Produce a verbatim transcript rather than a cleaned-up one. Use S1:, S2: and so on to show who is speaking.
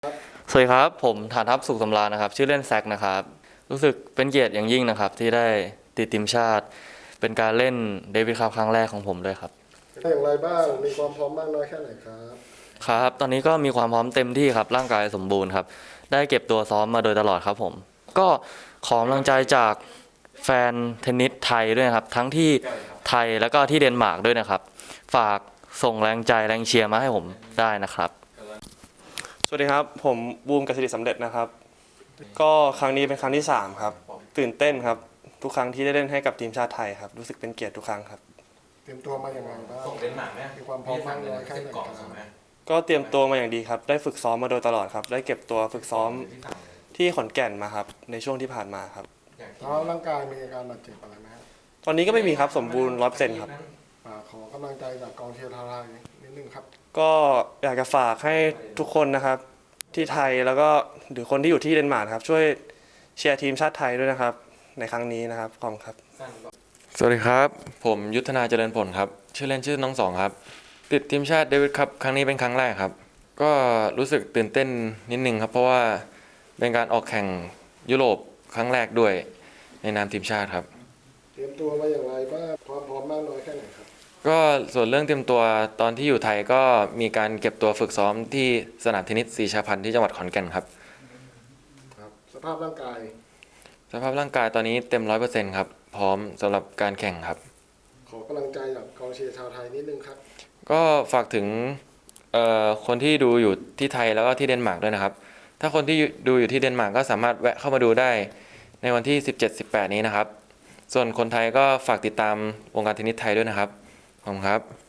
S1: สวัสดีครับผมฐานทัพสุขสำราญนะครับชื่อเล่นแซกนะครับรู้สึกเป็นเกียรติอย่างยิ่งนะครับที่ได้ติดทีมชาติเป็นการเล่นเดวิดคัพครั้งแรกของผมด้วยครับ
S2: เป็นอย่างไรบ้างมีความพร้อมมากน้อยแค่ไหนครับ
S1: ครับตอนนี้ก็มีความพร้อมเต็มที่ครับร่างกายสมบูรณ์ครับได้เก็บตัวซ้อมมาโดยตลอดครับผมก็ขอกำลังใจจากแฟนเทนนิสไทยด้วยครับทั้งที่ไทยแล้วก็ที่เดนมาร์กด้วยนะครับฝากส่งแรงใจแรงเชียร์มาให้ผมได้นะครับ
S3: สวัสดีครับผมบูมกสิริสำเร็จนะครับก็ครั้งนี้เป็นครั้งที่สามครับตื่นเต้นครับทุกครั้งที่ได้เล่นให้กับทีมชาติไทยครับรู้สึกเป็นเกียรติทุกครั้งครับ
S2: เตรียมตัวมาอย่างไรบ้าง
S4: ส่งเดนมาร์กไหม
S2: มีความพร้อมมากน้อยแค่ไหนครับ
S3: ก็เตรียมตัวมาอย่างดีครับได้ฝึกซ้อมมาโดยตลอดครับได้เก็บตัวฝึกซ้อมที่ขอนแก่นมาครับในช่วงที่ผ่านมาครับ
S2: แล้วร่างกายมีอาการบาดเจ็บอะไรไหมครับ
S3: ตอนนี้ก็ไม่มีครับสมบูรณ์ร้อยเปอร์เซ็นต์ครับ
S2: ขอกำลังใจจากกองเชียร์ไทยนิดนึงครับ
S3: ก็อยากจะฝากให้ทุกคนนะครับที่ไทยแล้วก็หรือคนที่อยู่ที่เดนมาร์กครับช่วยเชียร์ทีมชาติไทยด้วยนะครับในครั้งนี้นะครับขอบคุณครับ
S1: สวัสดีครับผมยุทธนาเจริญผลครับชื่อเล่นชื่อน้องสองครับติดทีมชาติเดวิดคัพครั้งนี้เป็นครั้งแรกครับก็รู้สึกตื่นเต้นนิดนึงครับเพราะว่าเป็นการออกแข่งยุโรปครั้งแรกด้วยในนามทีมชาติครับ
S2: เตรียมตัวมาอย่างไรบ้างความพร้อมมากน้อยแค่ไหนครับ
S1: ก็ส่วนเรื่องเตรียมตัวตอนที่อยู่ไทยก็มีการเก็บตัวฝึกซ้อมที่สนามเทนนิสศรีชาพันธ์ที่จังหวัดขอนแก่นครับ
S2: ครับสภาพร่างกาย
S1: สภาพร่างกายตอนนี้เต็มร้อยเปอร์เซ็นต์ครับพร้อมสำหรับการแข่งครับ
S2: ขอกำลังใจจากกองเชียร์ชาวไทยนิดนึงครับ
S1: ก็ฝากถึงคนที่ดูอยู่ที่ไทยแล้วก็ที่เดนมาร์กด้วยนะครับถ้าคนที่ดูอยู่ที่เดนมาร์กก็สามารถแวะเข้ามาดูได้ในวันที่ สิบเจ็ด สิบแปด นี้นะครับส่วนคนไทยก็ฝากติดตามวงการเทนนิสไทยด้วยนะครับขอบคุณครับ